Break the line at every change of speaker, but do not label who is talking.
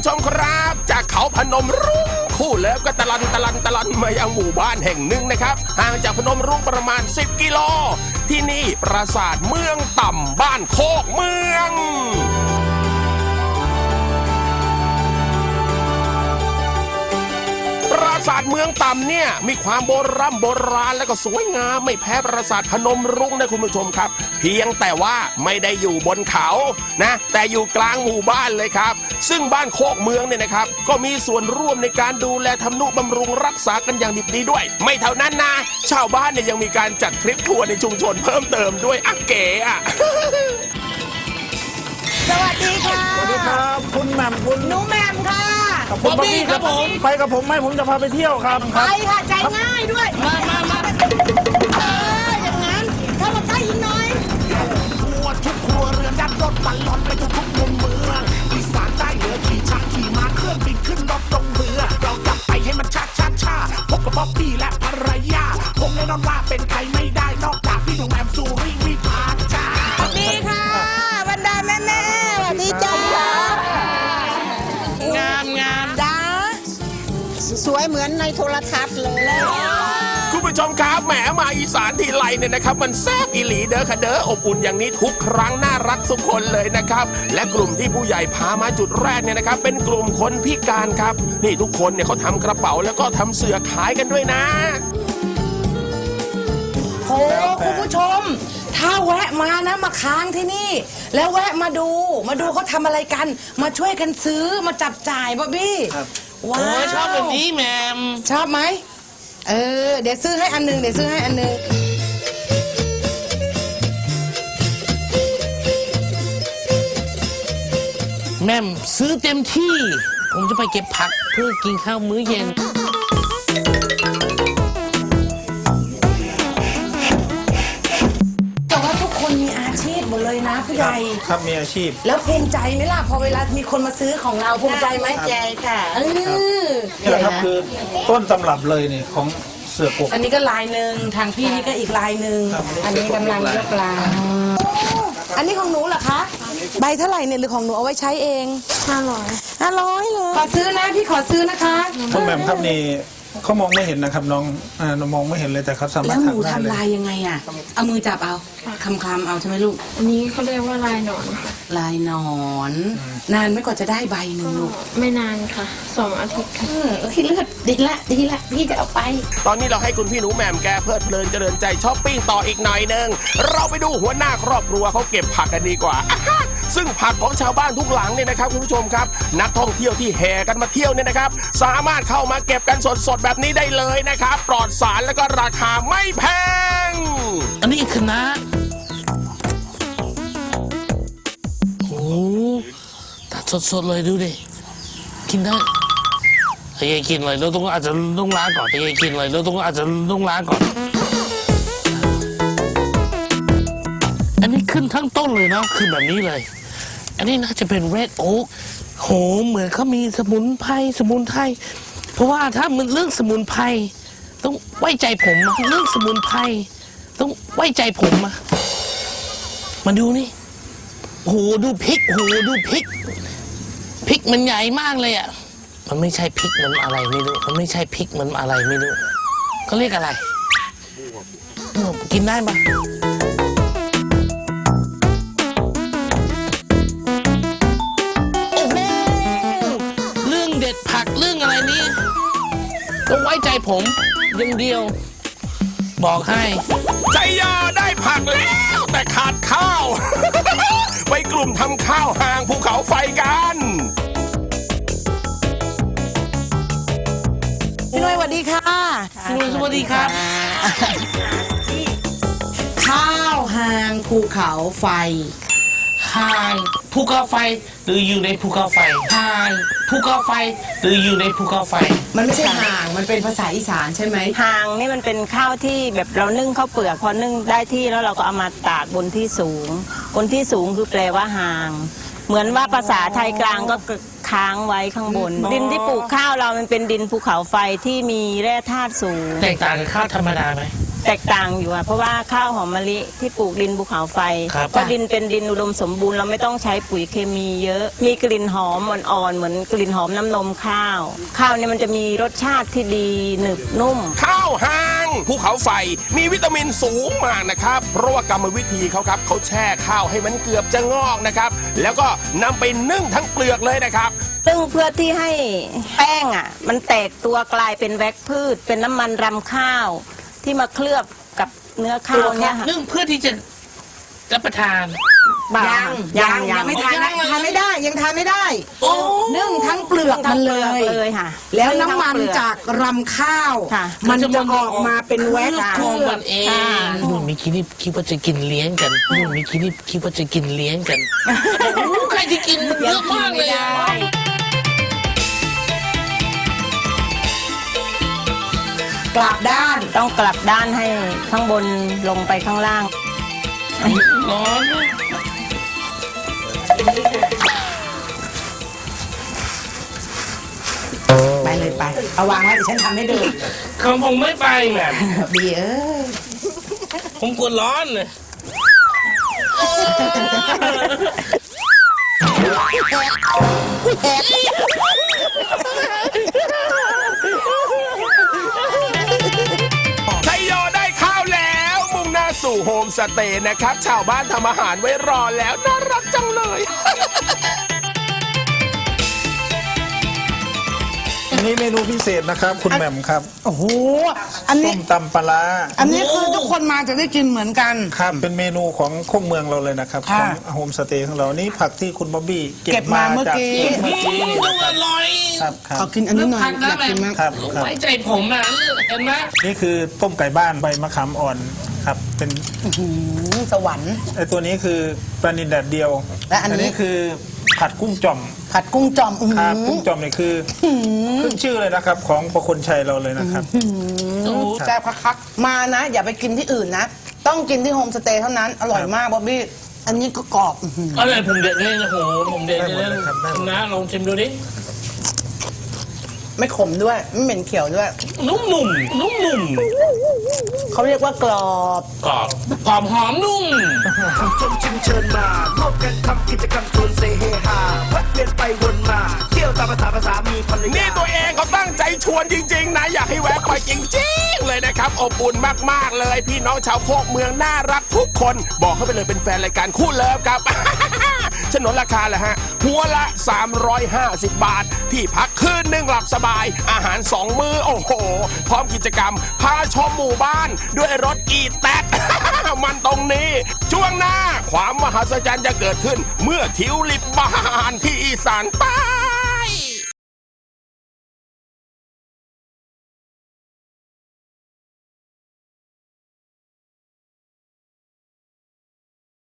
ผู้ชมครับจากเขาพนมรุ้งคู่เลิฟก็ตะลันมายังหมู่บ้านแห่งหนึ่งนะครับห่างจากพนมรุ้งประมาณ10 กิโลที่นี่ปราสาทเมืองต่ำบ้านโคกเมืองปราสาทเมืองต่ำเนี่ยมีความโบราณและก็สวยงามไม่แพ้ปราสาทพนมรุ้งนะคุณผู้ชมครับเพียงแต่ว่าไม่ได้อยู่บนเขานะแต่อยู่กลางหมู่บ้านเลยครับซึ่งบ้านโคกเมืองเนี่ยนะครับก็มีส่วนร่วมในการดูแลทำนุบำรุงรักษากันอย่างดิบดีด้วยไม่เท่านั้นนะชาวบ้านเนี่ยยังมีการจัดทริปทัวร์ในชุมชนเพิ่มเติมด้วยเก๋อะ
สวัสดีค่ะ
สวัสดีครับคุณแหม่มคุณ
หนูแหม่มค่ะ
บ๊อบบี้ครับผมไปกับผมไหมผมจะพาไปเที่ยวครับ
ไปค่ะใจง่ายด้วยมาอย่างนั้นเข้ามาใกล้อีกหน่อย
ทั่วทุกครัวเรือนยัดรถบรรลอนไปทุกมุมเมืองอีสานใต้เหนือขี่ช้างขี่ม้าเครื่องบินขึ้นรถลงเรือเรากลับไปให้มันช้าพบกับบ๊อบบี้และภรรยาคงแน่นอนว่าเป็นใครไม่ได้นอกจากพี่หนุ่มแหม่มสุริวิภาจ้า
สวัสดีค่ะบรรดาแม่สวัสดีจ้างามจ้าสวยเหมือนในโทรทัศน์เลย
คุณผู้ชมครับแหมมาอีสานทีไรเนี่ยนะครับมันแซ่บอีหลีเด้อค่ะเด้ออบอุ่นอย่างนี้ทุกครั้งน่ารักทุกคนเลยนะครับและกลุ่มที่ผู้ใหญ่พามาจุดแรกเนี่ยนะครับเป็นกลุ่มคนพิการครับนี่ทุกคนเนี่ยเขาทำกระเป๋าแล้วก็ทำเสื่อขายกันด้วยนะ
โอ้คุณผู้ชมถ้าแวะมานะมาค้างที่นี่แล้วแวะมาดูเขาทำอะไรกันมาช่วยกันซื้อมาจับจ่ายบ๊อบบี้ว้าว
ชอบแบบนี้แหม่ม
ชอบไหมเดี๋ยวซื้อให้อันนึง
แม่มซื้อเต็มที่ผมจะไปเก็บผักเพื่อกินข้าวมื้อเย็น
แต่ว่าทุกคนมีอาชีพหมดเลยนะผู้ใหญ่
ครับมีอาชีพ
แล้วภูมิใจไหมล่ะพอเวลามีคนมาซื้อของเราภูมิใจไหมใจค่ะ
นี่แหละครับคือต้นตำรับเลยเนี่ยของเสือกก
อันนี้ก็ลายหนึ่งทางพี่นี่ก็อีกลายหนึ่งอันนี้กำลังยกลายอันนี้ของหนูเหรอคะใบเท่าไหร่เนี่ยหรือของหนูเอาไว้ใช้เอง500เลยขอซื้อนะพี่ขอซื้อนะคะ
คุณแหม่มครับนี่เขามองไม่เห็นนะครับน้องมองไม่เห็นเลยแต่เขาสามารถ
แล้วหนูทำลายยังไงอ่ะเอามือจับเอาคำเอาใช่ไหมลูก
อันนี้เขาเรียกว่าลายหนอน
ลายหนอนนานไม่กว่าจะได้ใบหนึ่งลูก
ไม่นานค่ะ2 อาทิตย์ค่ะ
เลือดดีละพี่จะเอาไป
ตอนนี้เราให้คุณพี่หนูแหม่มแกเพลิดเพลินเจริญใจช้อปปิ้งต่ออีกหน่อยนึงเราไปดูหัวหน้าครอบครัวเขาเก็บผักกันดีกว่าซึ่งผักของชาวบ้านทุกหลังเนี่ยนะครับคุณผู้ชมครับนักท่องเที่ยวที่แห่กันมาเที่ยวเนี่ยนะครับสามารถเข้ามาเก็บกันสดแบบนี้ได้เลยนะครับปลอดสารแล้วก็ราคาไม่แพง
อันนี้คณะโอ้ตัดสดเลยดูดิกินได้แต่ยายกินเลยเราต้องอาจจะต้องล้างก่อนแต่ยายกินเลยเราต้องอาจจะต้องล้างก่อนอันนี้ขึ้นทั้งต้นเลยเนาะขึ้นแบบนี้เลยอันนี้น่าจะเป็นเรดโอ๊กโหเหมือนเขามีสมุนไพรเพราะว่าถ้ามันเรื่องสมุนไพรต้องไว้ใจผมเรื่องสมุนไพรต้องไว้ใจผมมาดูนี่โหดูพริกพริกมันใหญ่มากเลยอ่ะมันไม่ใช่พริกมันอะไรไม่รู้เขาเรียกอะไรกินได้ปะผักเรื่องอะไรนี้ต้องไว้ใจผมอย่างเดียวบอกให้
ใจยาได้ผักแล้วแต่ขาดข้าว ไปกลุ่มทำข้าวห่างภูเขาไฟกัน
พี่นุ้ยสวัสดีค่ะ
พี่นุ้ยสวัสดีครับ
ข้าวห่างภูเขาไฟ
ห่างภูเขาไฟหรืออยู่ในภูเขาไฟห่างภูเขาไฟหรืออยู่ในภูเขาไฟ
มันไม่ใช่ห่างมันเป็นภาษาอีสานใช่ไหม
ห่างนี่มันเป็นข้าวที่แบบเรานึ่งข้าวเปลือกพอนึ่งได้ที่แล้วเราก็เอามาตากบนที่สูงคือแปลว่าห่างเหมือนว่าภาษาไทยกลางก็ค้างไว้ข้างบนดินที่ปลูกข้าวเรามันเป็นดินภูเขาไฟที่มีแร่ธาตุสูง
แตกต่างกับข้าวธรรมดาไหม
แตกต่างอยู่อะเพราะว่าข้าวหอมมะลิที่ปลูกดินภูเขาไฟ
ครับ
ก็ดินเป็นดินอุดมสมบูรณ์เราไม่ต้องใช้ปุ๋ยเคมีเยอะ มีกลิ่นหอมอ่อนๆเหมือนกลิ่นหอมน้ำนมข้าว ข้าวเนี่ยมันจะมีรสชาติที่ดีหนึบนุ่ม
ข้าวหางภูเขาไฟมีวิตามินสูงมากนะครับ เพราะว่ากรรมวิธีเขาครับเขาแช่ข้าวให้มันเกือบจะงอกนะครับ แล้วก็นำไปนึ่งทั้งเปลือกเลยนะครับ
ซึ่งเพื่อที่ให้แป้งอ่ะ มันแตกตัวกลายเป็นแว็กพืช เป็นน้ำมันรำข้าว ที่มาเคลือบกับเนื้อข้าวเนี่ยค่ะ
นึ่งเพื่อที่จะรับประทาน
ยังไม่ทานนะทานไม่ได้ยังทานไม่ได้
โอ้
นึ่งทั้งเปลือกมันเลย
เลยค่ะ
แล้วน้ำมันจากรำข้าว
ค่ะ
มันจะออกมาเป็นแว็ก
เครื่องมันเองนู่นมีคิดนี่คิดว่าจะกินเลี้ยงกันนู่นมีคิดนี่คิดว่าจะกินเลี้ยงกันใครจะกินเยอะมากเลยอะ
กลับด้าน
ต้องกลับด้านให้ข้างบนลงไปข้างล่าง
ร้อน
ไปเลยไปเอาวางไว้เดี๋ยวฉันทำให้ดู
ของผมไม่ไปแหม่
บีเอ้ย
ผมกลัวร้อนเลย
ชัยโยได้ข้าวแล้ว มุ่งหน้าสู่โฮมสเตย์นะครับ ชาวบ้านทำอาหารไว้รอแล้วน่ารักจังเลย
อันนี้เมนูพิเศษนะครับ คุณแหม่มครับ
โอ้โหอัน
ส้
นี้
มตำปลาร้า
อันนี้คือทุกคนมาจะได้กินเหมือนกัน
ครับเป็นเมนูของโคกเมืองเราเลยนะครับข
ค่ะ
องโฮมสเตย์ของเรานี่ผักที่คุณบ๊อบบี้
เก็บมาเมื่อกี้
จากเมื่อกี้นี่
ดู
นะครับ
อร่อย
ครับครั
ขอบ กินอันนี้หน่อย
พัก
อ
นะ
ยาก
แม่
กินมาก
ครับครับ
ไว้ใจผมนะเห็นไหม
นี่คือต้มไก่บ้านใบมะขามอ่อนครับเป็น
สวรรค์
ไอตัวนี้คือปลานิลแดดเดียว
และอันนี้
คือผัดกุ้งจ่อม
ผัดกุ้งจอมอื้อ
ค
หื
รับ
อ
กุ้งจ่อมนี่คือขึ้นชื่อเลยนะครับ ของประคนชัยเราเลยนะครับ
แซ่บคักๆมานะ อย่าไปกินที่อื่นนะ ต้องกินที่โฮมสเตย์เท่านั้น อร่อยมากบ๊อบบี้ อันนี้ก็กรอบอื้อหือ
อะไรผมเด็ดเลยนะโหผมเด็ดเลย
ได้หมดเลยครับได้หมด
นะลองชิมดูดิ
ไม่ขมด้วย ไม่เหม็นเขียวด้วย
นุ่มๆนุ่ม
เขาเรียกว่ากรอบ
ๆกรอบหอมหอมนุ่ม
ชมชิมเชิญมาร่วมกันทำกิจกรรมชวนเซเฮฮาแวะเวียนไปวนมา เที่ยวตามภาษามีภรรยา
นี่ตัวเองเขาตั้งใจชวนจริง ๆ นะ อยากให้แวะไปจริง ๆ เลยนะครับ อบอุ่นมาก ๆ เลย พี่น้องชาวโคกเมืองน่ารักทุกคน บอกเขาไปเลยเป็นแฟนรายการคู่เลิฟครับ ฉนวนราคาแหละฮะ หัวละ 350 บาท ที่พักคืนหนึ่งหลับสบาย อาหาร 2 มื้อ โอ้โห พร้อมกิจกรรม พาชมหมู่บ้าน ด้วยรถอีแต๊ก มันตรงนี้ ช่วงหน้าความมหัศจรรย์จะเกิดขึ้น เมื่อทิวลิปบานที่อีสานใต้